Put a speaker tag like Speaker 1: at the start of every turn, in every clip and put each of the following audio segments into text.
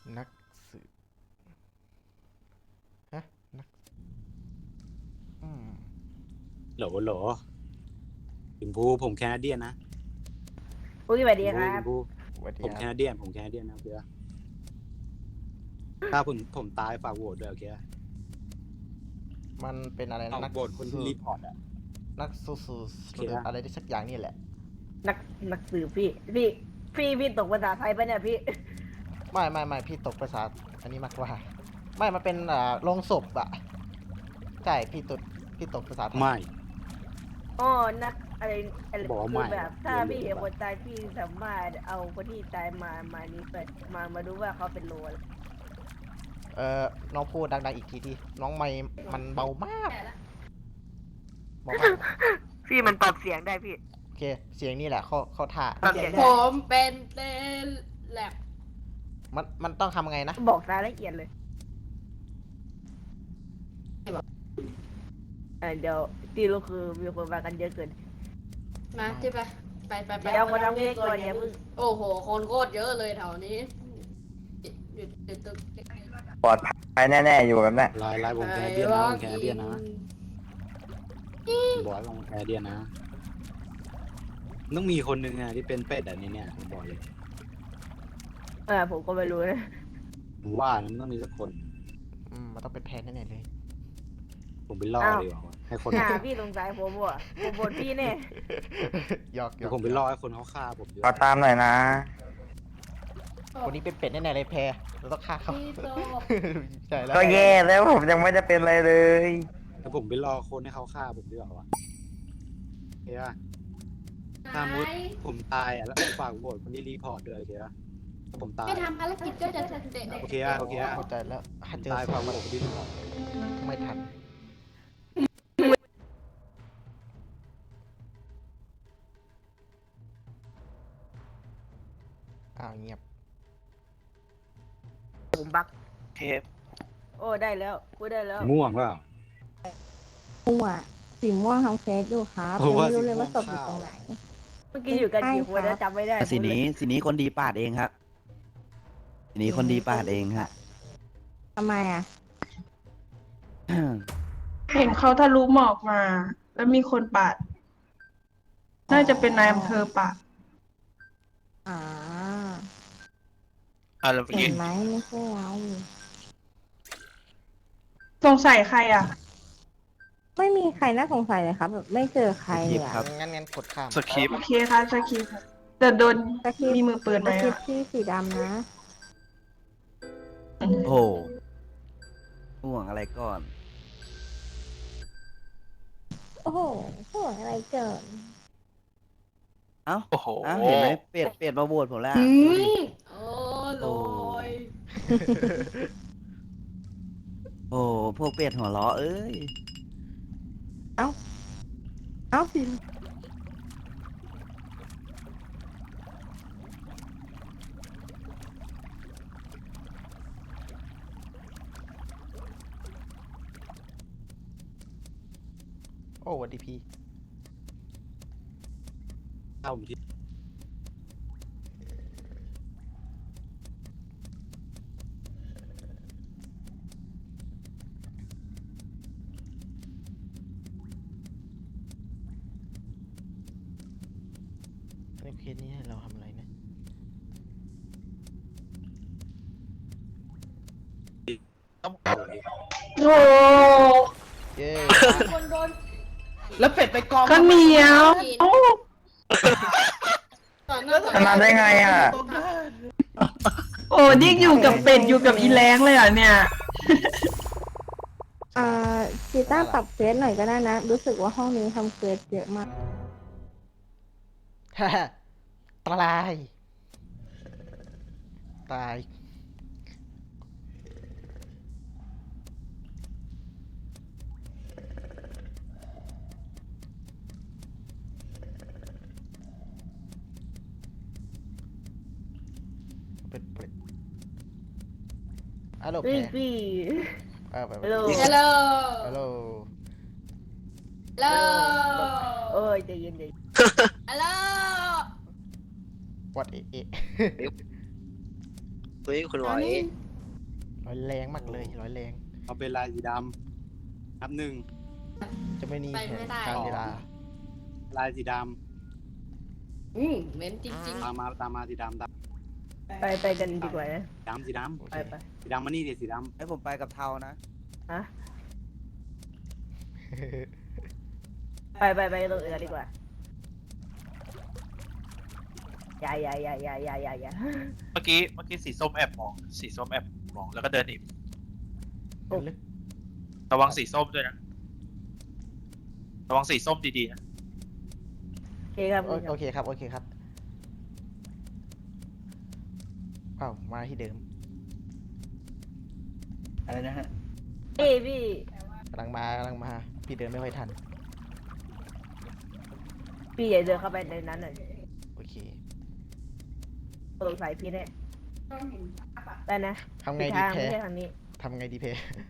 Speaker 1: นักสืบฮะนักอืม
Speaker 2: โหลโหลชมพูผมแคนาเดียนนะ
Speaker 3: อุ้ยสวัส
Speaker 2: ชมพู
Speaker 3: ดีครั
Speaker 2: ช
Speaker 3: บ
Speaker 2: มพู
Speaker 1: สวัสดี
Speaker 2: ผม
Speaker 1: ค
Speaker 2: แค
Speaker 1: รับ
Speaker 2: นาเดียนผมแคนาเดียนนะโอเคปะถ้าผมตายฝากโหวตด้วยโอเคปะ
Speaker 1: มันเป็นอะไร
Speaker 2: เอา
Speaker 1: นัก
Speaker 2: โหวตคนที่รีพอร์ตอ่ะ
Speaker 1: นักสู้สู้
Speaker 2: โอเค
Speaker 1: หรือ
Speaker 2: อะ
Speaker 1: อะไรที่สักอย่างนี่แหละ
Speaker 3: นักนักสืบพี่ตกภาษาไทยปะเนี่ยพี่
Speaker 1: ไม่พี่ตกภาษาอันนี้มากกว่าไม่มันเป็นโรงศพอะใช่พี่ตกภาษาไทย
Speaker 2: ไม่
Speaker 3: อ๋อนักอะไร
Speaker 2: บอกว่า
Speaker 3: คื
Speaker 2: ไม่
Speaker 3: อแบบถ้า
Speaker 2: เรียน
Speaker 3: พี่เห็น
Speaker 2: แบบ
Speaker 3: คนตายพี่สามารถเอาคนที่ตายมานี้ไปมาดูว่าเขาเป็นโลอะไร
Speaker 1: น้องพูดดังๆอีกทีที่น้องไม่มันเบามากเบามาก
Speaker 3: พี่มันปรับเสียงได้พี่
Speaker 1: โอเคเสียงนี่แหละเข้าท่า
Speaker 3: ปรับเสียง
Speaker 4: ผ
Speaker 3: ได้
Speaker 4: มเป็นเต้นแลบ
Speaker 1: มันต้องทำไงนะ
Speaker 3: บอกรายละเอียดเลยเดี๋ยวที่รู้คือมีคนมากันเยอะเกิน
Speaker 4: มาที่ไป
Speaker 3: เดี๋ยวคนเอาเงี้ยก่อนอย่าเพิ่ง
Speaker 4: โอ้โห คนโคตรเยอะเลยแถวนี้อยู่ตึก
Speaker 5: ปลอดภัยแน่ๆอยู่แบบนั้น
Speaker 2: ลายผมแคนาเดียนนะผมแคนาเดียนนะผมบอกว่าผมแคนาเดียนนะต้องมีคนหนึ่งอะที่เป็นเป็ดอะในเนี่ยผมบอกเลย
Speaker 3: ผมก็ไม่รู้นะ
Speaker 2: ผมว่ามันต้องมีสักคน
Speaker 1: มันต้องเป็นแพนแน่ๆเลย
Speaker 2: ผมไปล่อดีกว่าให้คน
Speaker 3: พี่สงสัยผมว่ะผมบ่นพี่แน่
Speaker 1: หยอก
Speaker 2: เดี๋ยวผมไปล่อให้คนเขาฆ่าผมดีก
Speaker 5: ขอ
Speaker 2: ว่า
Speaker 5: ตามหน่อยนะ
Speaker 1: คนนี้เป็นเป็ดแน่ๆเลยแพรเราต้องฆ่าเขา
Speaker 4: พี่โต
Speaker 1: ใช่แล้ว
Speaker 5: ก็แย่แล้วผมยังไม่ได้เป็นอะไรเลย
Speaker 2: แล้วผมไปล่อคนให้เขาฆ่าผมดีกว่าวะโอเคปะ ถ้ามุด ผมตายอ่ะแล้วฝากโหวตคนที่รีพอร์ตด้วยโอเคปะถ้าผมตาย
Speaker 4: ไม่ทำภารกิจก็จะเด็ด
Speaker 2: โอเคอะโอเคอะ
Speaker 1: เข้าใจแล้วถ้าเจอ
Speaker 2: ตาย
Speaker 1: ศ
Speaker 2: ฝาก
Speaker 1: พ
Speaker 2: โหวตคนที่รีพอร์ต
Speaker 1: ไม่ทันเงียบ
Speaker 3: ผมบัก
Speaker 5: เทป
Speaker 3: โอ้ได้แล้วพูดได้แล้ว
Speaker 2: ม่วงเปล่า
Speaker 6: ม่วงสีม่วงทำเฟซอยู่ครับ
Speaker 2: โอ้
Speaker 6: ยัง
Speaker 2: ว่า
Speaker 6: ไม่รู้เลยว่า
Speaker 2: สี
Speaker 6: ศ
Speaker 2: ม่วง
Speaker 6: พอยู่ตรงไหน
Speaker 3: เมื่อกี้อยู่กันกี่คน
Speaker 6: ใช่ครั
Speaker 3: นะ
Speaker 6: บ
Speaker 3: จำไม่ได้
Speaker 7: สีนี้คนดีปาดเองครับสีนี้คนดีปาดเองฮะ
Speaker 6: ทำไมอ่ะ
Speaker 8: เห็นเขาทะลุหมอกมา แล้วมีคนปาด น่าจะเป็นนายอำเภอปาด
Speaker 6: อ่า
Speaker 5: แล้ว
Speaker 6: เห็นไหมไม่ใช่เรา
Speaker 8: สงสัยใครอ่ะ
Speaker 6: ไม่มีใครน่าสงสัยเลยครับแบบไม่เจอใครเลยอะ
Speaker 1: งั้นกดข้าม
Speaker 5: สคริปต์
Speaker 8: โอเคค่ะสกีค่ะแต่โดน
Speaker 6: สคริปต์
Speaker 8: มีมือปืนไหม
Speaker 6: สคริป
Speaker 8: อ่ะ
Speaker 6: ต์ที่สีดำนะ
Speaker 7: โอ้โหห่วงอะไรก่อน
Speaker 6: โอ้โหห่วงอะไรเกิน
Speaker 7: เอ้า
Speaker 5: โอ้โห
Speaker 7: เอ้าเห็นไหมเปลี่ยนมาโหวตผมแล้ว
Speaker 4: อื
Speaker 7: ดูดิ
Speaker 4: มโอ้โหย
Speaker 7: โอ้พวกเป็ดหัวล้อเอ้ย
Speaker 6: เอ้าสิ
Speaker 1: โอ้วันดีพี
Speaker 2: เข้าผมที่
Speaker 1: ในเคสนี้ให้เราทำอะไรนะ
Speaker 2: ต้องโหวตดิ
Speaker 8: โอ้
Speaker 1: เย้
Speaker 4: คนโดน
Speaker 7: แล้วเป็ดไปกอง
Speaker 8: ก็เหนียวโอ้
Speaker 4: ต่อหน้าต่อ
Speaker 5: ชนะได้ไงอ่ะ
Speaker 8: โอ้ยิ่งอยู่กับเป็ดอยู่กับอีแรงเลยอ่ะเนี่ย
Speaker 6: อ่ากีตาร์ปรับเฟซหน่อยก็ได้นะ รู้สึกว่าห้องนี้ทำเฟซเยอะมาก
Speaker 1: ฮ่าตายตายเป็นเป็ดฮัลโหลแพ
Speaker 3: พี่
Speaker 1: รไป
Speaker 3: ฮัลโหล
Speaker 4: ฮัลโหล
Speaker 1: ฮัลโหล
Speaker 4: ฮัลโหล
Speaker 3: โอ้ยใจเย็น
Speaker 4: ฮัลโหล
Speaker 1: วัดเอะ
Speaker 9: เฮ้ยคุณหวอย
Speaker 1: ร้อยแรงมากเลยร้อยแรง
Speaker 2: เอาเป็นลายสีดำนับ 1
Speaker 1: จะไม่มี
Speaker 4: ไป
Speaker 1: แผ
Speaker 4: ไม่
Speaker 1: น
Speaker 4: ได้
Speaker 1: การเวลา
Speaker 2: ลายสีด
Speaker 4: เหม็นจริง
Speaker 2: ำตามมาสีดำ
Speaker 3: ไปกันดีกว่านะ
Speaker 2: สีด
Speaker 1: โอ
Speaker 3: ไป
Speaker 1: เค
Speaker 3: ไป
Speaker 2: ำสีดำมานี่ดิสีด
Speaker 7: ให้ผมไปกับเทานะ
Speaker 3: ฮะไปตรงอื่นดีกว่าอย่า
Speaker 10: เมื่อกี้สีส้มแอบมอง สีส้มแอบมองแล้วก็เดินหนี
Speaker 1: เดินลึก
Speaker 10: ระวังสีส้มด้วยนะ ระวังสีส้มดีๆนะ
Speaker 3: โอเคครับ
Speaker 1: โอเคครับโอเคครับเอ้ามาที่เดิม
Speaker 5: อะไรนะฮะ
Speaker 3: พี่
Speaker 1: กำลังมาพี่เดินไม่ค่อยทัน
Speaker 3: พี่อย่าเดินเข้าไปในนั้นหน่อย
Speaker 1: โอเค
Speaker 3: สงสัยพี่เนี่ยไปนะ
Speaker 1: ทำไงดี
Speaker 3: ทาง
Speaker 1: แพ้
Speaker 3: ไม่ใช่ทางนี้
Speaker 1: ทำไงดีเพ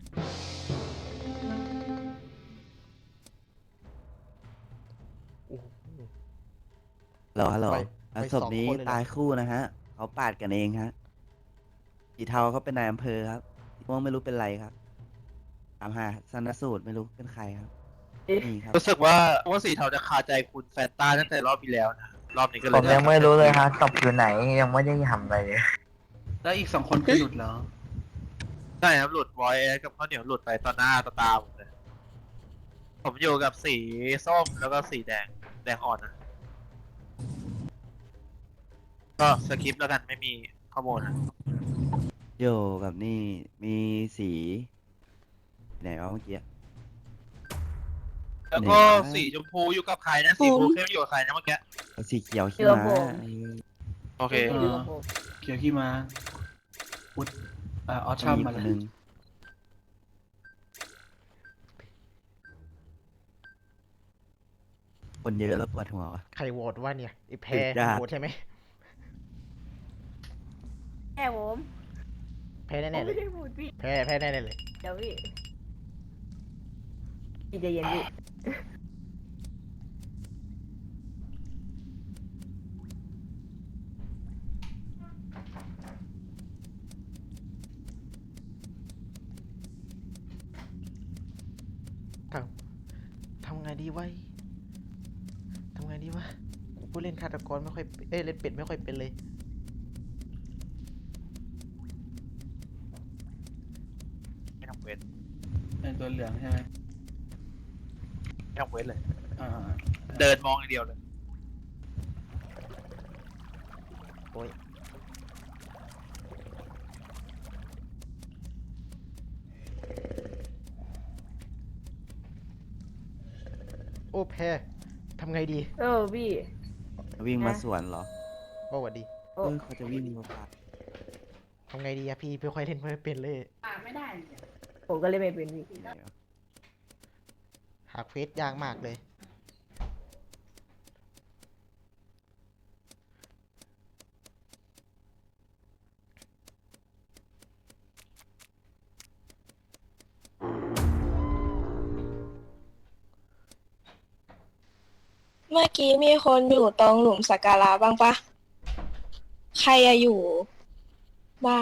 Speaker 1: โอ้โห
Speaker 7: ฮัลโหล
Speaker 1: ไป
Speaker 7: แล้ว
Speaker 1: ไป
Speaker 7: ศพนี้
Speaker 1: 2 คนเลยเหรอ
Speaker 7: ตายคู่นะฮะ เขาปาดกันเองฮะสีเทาเขาเป็นนายอำเภอครับสีม่วงไม่รู้เป็นไรครับตามหาชันสูตรไม่รู้เป็นใครครับ นี่ครับ
Speaker 10: รู้สึกว่าสีเทาจะคาใจคุณแฟนตาตั้งแต่รอบที่แล้วนะ รอบนี้ก็เล
Speaker 5: ผ
Speaker 10: ย
Speaker 5: มยังไม่รู้เลยฮะศพอยู่ไหนยังไม่ได้ทำอะไรเลย
Speaker 2: แล้วอีก 2 คนคือหลุดเหรอ
Speaker 10: ใช่ครับหลุดไว้กับข้าวเหนียวหลุดไปต่อหน้าต่อตาผมเลย ผมอยู่กับสีส้มแล้วก็สีแดงอ่อนนะ ก็สคริปต์แล้วกันไม่มีข้อมูลนะ
Speaker 7: โยกับนี่มีสีไหนวะเมื่อกี้
Speaker 10: แล้วก็
Speaker 7: ไหนวะ
Speaker 10: สีชมพูอยู่กับใครนะ สีชมพูเข้มอยู่กับใครนะเมื่อกี้
Speaker 7: เอาสีเขียวขี้
Speaker 3: เดี๋ยว
Speaker 7: ม้า
Speaker 3: ผม
Speaker 10: โอเค
Speaker 3: พี่กับผม
Speaker 2: เขียวขี้มาอุดออชัม
Speaker 7: มี
Speaker 2: มา
Speaker 7: ค
Speaker 2: เล
Speaker 7: น
Speaker 2: ย
Speaker 7: หนึงคนเยอะแล้วปวดหัววะ
Speaker 1: ใครโหวตว่าเนี่ยไอ้แพ้
Speaker 7: ติดยาก
Speaker 1: โหวตใช่ไหม
Speaker 3: แค่ผม
Speaker 1: แพ้
Speaker 3: ผม
Speaker 1: แน่ๆเล
Speaker 3: ไม่
Speaker 1: ย
Speaker 3: ได้พูดพี่
Speaker 1: แพ้แน่ๆเลย
Speaker 3: เดี๋ยวพี่ใจเย็นพี่
Speaker 1: ทำไงดีวะทำไงดีวะกูผู้เล่นฆาตกรไม่ค่อยเล่นเป็ดไม่ค่อยเป็นเลย
Speaker 10: ไม่ต้องเวท
Speaker 2: เป็นตัวเหลืองใช่ไหม
Speaker 10: ไม่ต้องเวทเลย
Speaker 2: อ่า
Speaker 10: เดินมองอย่างเดียวเลย
Speaker 1: โอ้ยโอ้แพ้ทำไงดี
Speaker 3: พี่
Speaker 7: วิ่งมา
Speaker 3: นะ
Speaker 7: สวนเหรอ
Speaker 1: โอ้สวัสดี
Speaker 3: โอ้
Speaker 7: เขาจะวิ่งมาปาด
Speaker 1: ทำไงดีอะพี่ไม่ค่อยเล่นไม่ค่อยเป็นเลย
Speaker 3: ผมก็เลยไม่เป็นพี่
Speaker 1: หาเควสยากมากเลย
Speaker 6: เมื่อกี้มีคนอยู่ตรงหลุมสักการะบ้างปะใครอะอยู่บ้าง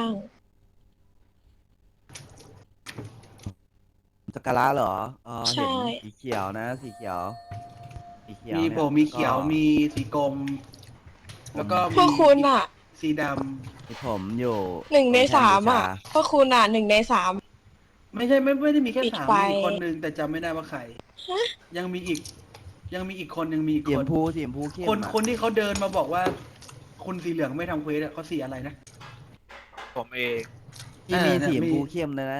Speaker 7: สักการะเหรอ
Speaker 6: ใช่
Speaker 7: เห็นสีเขียวนะ สีเขียว สีเขียว
Speaker 2: มี
Speaker 7: เนี่ย
Speaker 2: โบมีเขียว
Speaker 7: ก็
Speaker 2: มีสีกรมแล้วก็
Speaker 6: พวกคุณอะ
Speaker 2: สีด
Speaker 7: มีผมอยู่
Speaker 6: 1 ใน 3อะพวกคุณอะ1 ใน 3
Speaker 2: ำไม่ใช่ไม่ได้มีแค่
Speaker 6: ปิด
Speaker 2: 3
Speaker 6: ไฟ
Speaker 2: มีอีกคนนึงแต่จำไม่ได้ว่าใคร ยังมีอีกคนนึงมีอีก
Speaker 7: สีช
Speaker 2: ค
Speaker 7: ม
Speaker 2: น
Speaker 7: พูสีชมพูเข้ม
Speaker 2: คน
Speaker 7: อะ
Speaker 2: คนที่เขาเดินมาบอกว่า คุณสีเหลืองไม่ทำเควสอะเขาสีอะไรนะ
Speaker 10: ผมเอง
Speaker 7: ที่มี
Speaker 2: เนี่ย
Speaker 7: สีชม
Speaker 2: มี
Speaker 7: พูเข้มเลยนะ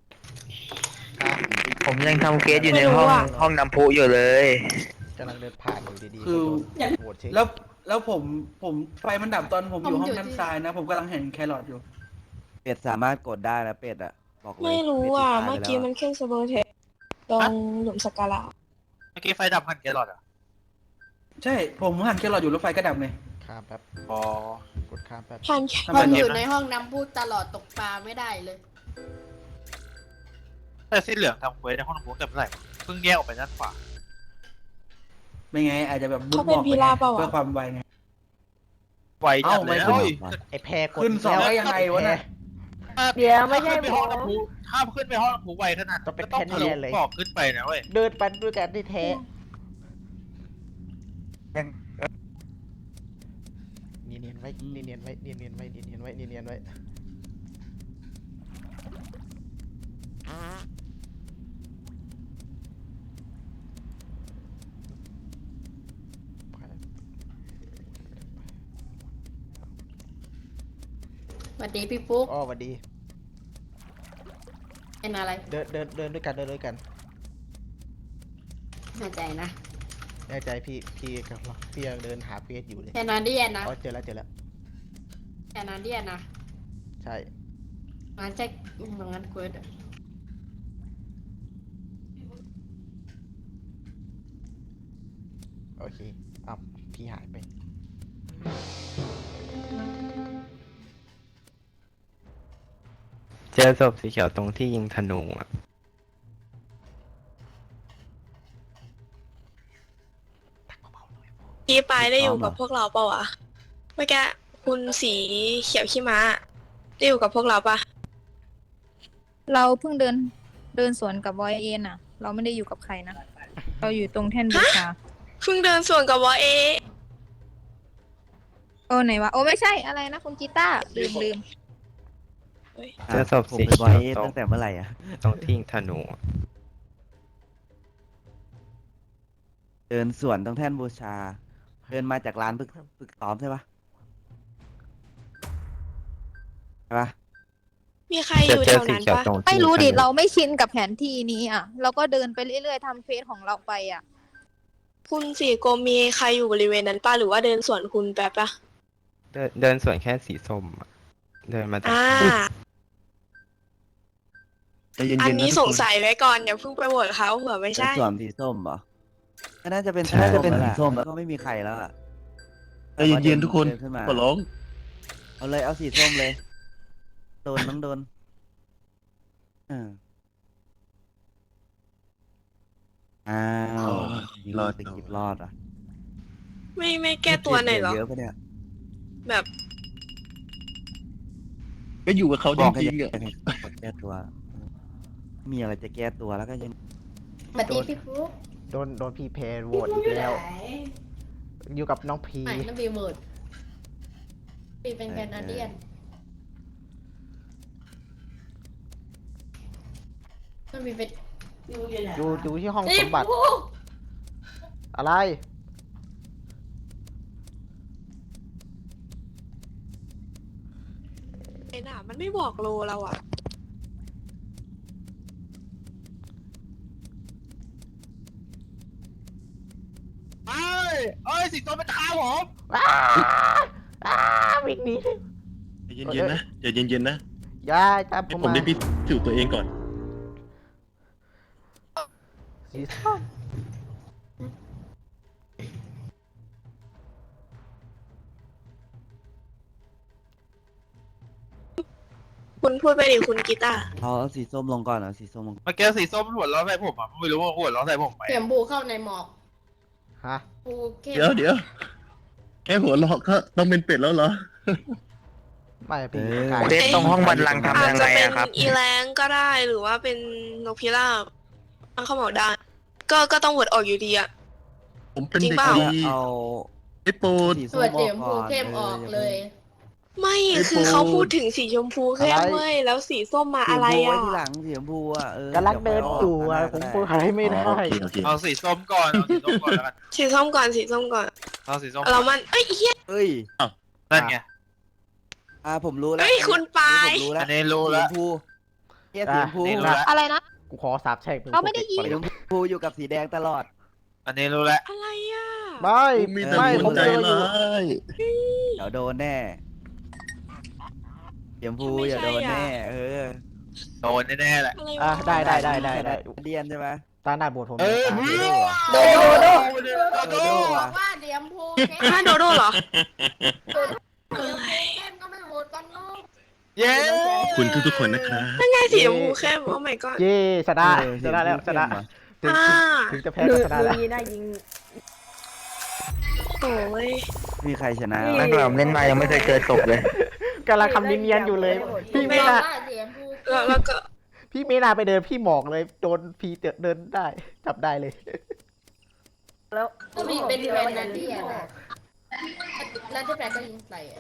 Speaker 5: ผมยังทำเกสอยู่ใน
Speaker 6: ไม่รู้
Speaker 5: ห้อง
Speaker 6: อะ
Speaker 5: ห้องน้ำพุอยู่เลย
Speaker 1: กำลังเดินผ่านอยู่ดีๆ
Speaker 2: คือ
Speaker 1: ก็โดนโหวตเช็ค
Speaker 2: แล้วผมไฟมันดับตอนผมอยู่ห้องด้านซ้ายนะ ผมกำลังเห็นแครอทอยู่
Speaker 7: เป็ดสามารถกดได้นะเป็ดอะบอกเลย
Speaker 6: ไม่รู้
Speaker 7: เป็ด
Speaker 6: อ่ะ
Speaker 7: ตายไป
Speaker 6: เมื่อกี้
Speaker 7: แล้ว
Speaker 6: มันขึ้นสโบเทสตรงหลุมสักการะ
Speaker 10: เมื่อกี้ไฟดับพันแกลลอดอ่ะ
Speaker 2: ใช่ ผมหันแครอทอยู่แล้วไฟก็ดับเลย
Speaker 1: ข้ามแป๊บ
Speaker 10: อ๋อ
Speaker 1: กดข้ามแป๊บ
Speaker 6: พันแค่
Speaker 2: ทำ
Speaker 4: ๆ
Speaker 2: ไม
Speaker 4: ผม
Speaker 2: เนี่
Speaker 4: อย ยู่ในห้องน้ำพูดตลอดตกปลาไม่ได้เลย
Speaker 10: แต่สีเหลืองทำเควสในห้องน้ำพุแต่เมื่อไหร่วะเพิ่งแยกออกไปด้านขวา
Speaker 2: ไม่ไง อาจจะแบบบุ๊
Speaker 6: เขา
Speaker 2: ก
Speaker 6: เป็
Speaker 2: บ
Speaker 6: น
Speaker 2: อก
Speaker 6: พีราเปล่า
Speaker 2: เพื่อ
Speaker 6: อะ
Speaker 2: ความไวไง
Speaker 10: บไวจัดเลยนะ
Speaker 7: เอ้า
Speaker 10: เฮ้ย
Speaker 1: ไอ้แพรกด
Speaker 5: ขึ้นสอง
Speaker 1: แล้ว
Speaker 5: ได้ยังไงวะเนี่ย
Speaker 3: เดี๋ยวไม่ใช่
Speaker 10: ถ้าขึ้นไปห้องน้ำพุถ้าขึ้นไปห้องน้ำพุไวขนาด
Speaker 1: ต้องเป็น
Speaker 10: ก็ต้องทะลุ
Speaker 1: แค่นี้เลย
Speaker 10: บอกขึ้นไปนะเว้ย
Speaker 1: เดินไปด้วยกันที่แท้
Speaker 5: ยัง
Speaker 1: เนียนๆไว้เนียนๆไว้เนียนๆไว้เนียนๆไว้เนียนๆไว้
Speaker 4: สวัสดีพี่ฟุ๊ก
Speaker 1: อ๋อสวัสดี
Speaker 4: เป็นอะไร
Speaker 1: เดินด้วยกันเดินด้วยกัน
Speaker 4: แน่ใจนะ
Speaker 1: แน่ใจพี่กับเราพี่ยังเดินหาเฟซอยู่เลย
Speaker 4: แคนาเดียนนะ
Speaker 1: อ๋อเจอแล้ว
Speaker 4: แคนาเดียนนะ
Speaker 1: ใช่
Speaker 4: งั้นแจ็คงั้นเควส
Speaker 1: โอเคอ้าวพี่หายไป
Speaker 9: เจอศพสีเขียวตรงที่ยิงธนูอ่ะ
Speaker 6: พี่ปายได้อยู่กับพวกเราเปล่าวะเมื่อกี้คุณสีเขียวขี้ม้าได้อยู่กับพวกเราปะ
Speaker 11: เราเพิ่งเดินสวนกับบอยเอ็นอ่ะ เราไม่ได้อยู่กับใครนะ เราอยู่ตรงแท่นบูชา
Speaker 6: เพิ่งเดินส่วนกับวอเอ
Speaker 11: โอ้ไหนวะ โอ้ไม่ใช่อะไรนะคุณกีตาร์ลืม
Speaker 9: เจอศพ
Speaker 7: ผม
Speaker 9: สี
Speaker 7: เป็นบอ
Speaker 9: เขี
Speaker 7: ย
Speaker 9: ยว
Speaker 7: เอส
Speaker 9: ตรง
Speaker 7: ตั้งแต่เมื่อไหร่อ่ะ
Speaker 9: ตรงที่ยิงธนูอะ
Speaker 7: เดินสวนตรงแท่นบูชา เดินมาจากร้านฝึกซ้อมใช่ปะใช่ปะ
Speaker 6: มีใครอยู่
Speaker 9: เจ
Speaker 6: แถ
Speaker 9: อ
Speaker 6: ว
Speaker 9: สี
Speaker 6: นั้น
Speaker 9: เขียว
Speaker 6: ปะ
Speaker 9: ตรง
Speaker 11: ไม่
Speaker 9: ที่
Speaker 11: รู้ดิ
Speaker 9: ยิงธนู
Speaker 11: เราไม่ชินกับแผนที่นี้อ่ะ เราก็เดินไปเรื่อยๆทำเฟซของเราไปอ่ะ
Speaker 6: คุณสีโกมีใครอยู่บริเวณนั้นปะหรือว่าเดินสวนคุณแป๊บปะ
Speaker 9: เดินสวนแค่สีส้มอะเดินมาจาก
Speaker 6: อันนี้สงสัยไว้ก่อนอย่าเพิ่งไปโหวตเขาเผื่อไม่
Speaker 7: เป็น
Speaker 6: ใช่
Speaker 7: สวนสีส้มเหรอก็น่าจะเป็น สีส้มแล้วก็ไม่มีใครแล้วอ่ะ
Speaker 5: ใจเย็นๆทุกคน
Speaker 7: เดิขึ้นมา
Speaker 5: ขอร้อง
Speaker 7: เอาเลยเอาสีส้มเลย โดนน้องโดนอ้าว
Speaker 5: รอด
Speaker 7: ตะกิบรอดอ่ะ
Speaker 6: ไม่แก้ตัวหน่อยเหรอ
Speaker 7: เยอะปะเนี่ย
Speaker 6: แบบ
Speaker 5: ก็อยู่กับเขาจ
Speaker 7: บอกให้
Speaker 5: ริงๆอ่ะ
Speaker 7: แก้ตัว มีอะไรจะแก้ตัวแล้วก็ยัง
Speaker 4: สวัสดีพี่ฟุ๊ก
Speaker 1: โดนพี่แพรโหวตอีกแล้ว อยู่กับน้องพี
Speaker 4: ไม่นั่นบีเมิร์ดบีเป็นแคนาเดียนนั่นบีเป็น
Speaker 1: อยู่ที่ห้อง
Speaker 4: นี่
Speaker 1: สมบัติ
Speaker 4: ฟุ๊ก
Speaker 1: อะไร
Speaker 6: ไอ้หน่ามันไม่บอกโลเราอะ
Speaker 10: เอ้ยสีส้มเป็นข้าวผม
Speaker 1: วิ่งหนี
Speaker 5: ใจเย็นๆนะใจเย็นๆนะ
Speaker 1: อย่าจับผ
Speaker 5: ให้
Speaker 1: ม
Speaker 5: ผม
Speaker 1: มา
Speaker 5: ได้พิสูจน์ตัวเองก่อน
Speaker 1: สีส้ม
Speaker 6: คุณพูดไปดิคุณกีตาร์
Speaker 7: เอาสีส้มลงก่อนเอาสีส้มลง
Speaker 10: เมื่อกี้สีส้มหัวเราะใส่ผมอ่ะไม่รู้ว่าหัวเราะใส่ผมไหม
Speaker 4: เสียมบูเข้าในหมอก
Speaker 1: ฮะ
Speaker 4: บูเข้ม
Speaker 5: เดี๋ยวแค่หัวเราะก็ต้องเป็นเป็ดแล้วเหรอ
Speaker 1: ไม่พี่กาย
Speaker 5: เฟซตรงห้องบัลลังก์ทำ
Speaker 6: อาจ
Speaker 5: ยัง
Speaker 6: จะ
Speaker 5: ไง
Speaker 6: เป็น
Speaker 5: อะครับ
Speaker 6: อีแรงก็ได้หรือว่าเป็นนกพิราบตั้งเขาบอกได้ก็ต้องโหวตออกอยู่ดีอะ
Speaker 5: ผมเป็น
Speaker 6: จริง
Speaker 5: เด็ก
Speaker 6: เปล่า
Speaker 5: ดี
Speaker 7: เอา
Speaker 5: ไอ้โปรด
Speaker 7: สี
Speaker 4: ส่
Speaker 7: ส้
Speaker 4: วน
Speaker 7: ม
Speaker 4: เสียม
Speaker 7: อ
Speaker 4: บู
Speaker 7: อกก่อน
Speaker 4: เข้มออกเลย
Speaker 6: ไม่
Speaker 5: ไอ้
Speaker 6: คือ
Speaker 5: ปู
Speaker 6: เขาพูดถึงสีชมพูแค่เว้ยแล้วสีส้มมา
Speaker 7: สีชม
Speaker 6: อะไร
Speaker 7: พูไว้
Speaker 6: อ่ะ
Speaker 7: ทีหลังสีชมพูอ่ะ
Speaker 1: ำ
Speaker 7: ก
Speaker 1: ลังเดินอยู่อะผมพูดอะไรไม่ได้
Speaker 5: โอเค
Speaker 10: เอาสีส้มก่อนเอาสีส้มก่อนแล้วกัน
Speaker 6: สีส้มก่อนสีส้มก่อน
Speaker 10: เอาสีส้ม
Speaker 6: เรามันเอ้ยเฮีย
Speaker 7: เอ้ย
Speaker 10: นั่นไง
Speaker 7: ผมรู้แล้ว
Speaker 6: เอ้ยคุณปาย
Speaker 7: ผมรู้แล้
Speaker 10: อั
Speaker 7: วน
Speaker 10: นี้รู้
Speaker 7: สีช
Speaker 10: แล้ว
Speaker 7: มพูเฮียสีชมพู
Speaker 10: นี่รู้แล้ว
Speaker 11: อะไรนะ
Speaker 1: กูขอสาบแช่งมึง
Speaker 11: เราไม่ได้ยิน
Speaker 7: สีชมพูอยู่กับสีแดงตลอด
Speaker 10: อันนี้รู้แล้ว
Speaker 6: อะไรอ่ะ
Speaker 1: ไม่
Speaker 5: มีแต่
Speaker 1: ไม่
Speaker 5: ค
Speaker 1: ผม
Speaker 5: นใจ
Speaker 1: เจออยู่
Speaker 5: ร้าย
Speaker 7: เดี๋ยวโดนแน่สีชมพูอย่าโดนแน่
Speaker 10: โดนแน่ๆแหละ
Speaker 6: อะไร
Speaker 1: อ่ะ
Speaker 6: วะ
Speaker 1: ได้
Speaker 7: เดียนใช่ไหม
Speaker 1: ตาหน้าบวชผม
Speaker 10: เออ
Speaker 1: ตา
Speaker 10: เพื่
Speaker 1: เดี
Speaker 10: อ
Speaker 1: ยวอะ
Speaker 4: โดโด
Speaker 10: โด
Speaker 4: บอกว่าเสียมบูเข้ม
Speaker 6: ฮะโดโดเหรอ
Speaker 4: เข้มก็ไม่โหวตกันเนาะ
Speaker 10: เย้
Speaker 5: คุณทุกๆคนนะครับ
Speaker 6: นั่นไงสีชมพูเข้มโอ้ my god
Speaker 1: เย่ชนะ
Speaker 7: เออ
Speaker 1: ชนะแล้วชนะ ถึง
Speaker 6: อ่า
Speaker 1: ถึงจะแพ้
Speaker 3: ดู
Speaker 1: ก็ชนะ
Speaker 3: ดู
Speaker 1: แล้ว
Speaker 3: ยีน่ายิง
Speaker 6: โอ้ย
Speaker 7: มีใครชนะ
Speaker 3: ไม่
Speaker 7: วะ
Speaker 5: ผมเล่นมายังไม่เคยเจอศพเลย
Speaker 1: กำลังทำเนียนๆอยู่เลย พี่ไม่น่า
Speaker 4: เสียงพูด
Speaker 6: แล้วก็
Speaker 1: พี่ไม่น่าไปเดินพี่หมอกเลยโดนพีเดินได้จับได้เลย
Speaker 3: แล้ว
Speaker 4: ก็มีเป็นแฟนนั่นที่อะไรแล้วที่แฟนก็ยิงใส่อะ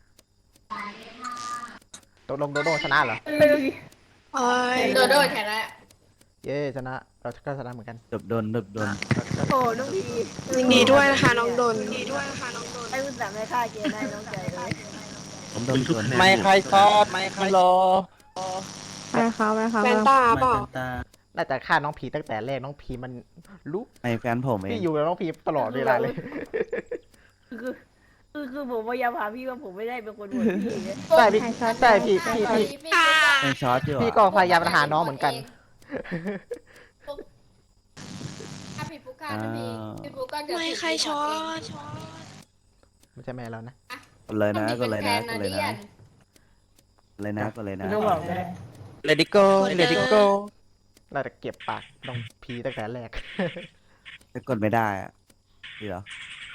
Speaker 1: ตกลงโดโดชนะเหรอ
Speaker 6: โอ้ย
Speaker 4: โดโดแค่นั้น
Speaker 1: เย้ชนะเราก็ชนะเหมือนกัน
Speaker 7: ดบโดน
Speaker 3: โอ้น้องพี
Speaker 6: ยินดีด้วยนะคะน้องดน
Speaker 3: ไอ้คุณสั่งให้ฆ่าเจได้น้องใจเลย
Speaker 7: ผมโดนชน
Speaker 5: ไม่ใครซอดไม่ใครรอ
Speaker 11: ไปค่ะไปค่ะ
Speaker 6: แฟนตาเปล่า
Speaker 1: น่าจะฆ่าน้องพีตั้งแต่แรกน้องพีมันรู้
Speaker 7: ไม่แฟนผมเอ
Speaker 1: พี่
Speaker 7: ง
Speaker 1: อยู่กับน้องพีตลอดเวลาเลย
Speaker 3: คือผมพยายามหาพี่ว่าผมไม่ได้เป็นคนโหวตพี่ไง
Speaker 1: ใช่พี่ใช่พี่
Speaker 7: ยังช็อตอยู่
Speaker 1: พี่
Speaker 7: อะ
Speaker 1: ก็พยายามหาน้องเหมือนกัน
Speaker 4: ถ้าพี่ปุ๊กก้าถ้าพี่ปุ๊กก้าจะ
Speaker 6: ไม่ใครช็อต
Speaker 1: ไม่ใช่แม่เรานะ
Speaker 7: กดเลยนะกดเลยนะก
Speaker 4: ต้
Speaker 7: ด
Speaker 4: อง
Speaker 7: เลย
Speaker 4: มี
Speaker 7: นะ
Speaker 4: แฟ
Speaker 7: เลยนะกดเลยนะ
Speaker 3: ต้องบอกเลย
Speaker 5: เลดิโก้เลดิโก้
Speaker 1: เราจะเก็บปากน้องพีตั้งแต่แรก
Speaker 7: จะกดไม่ได้อะดีเหรอ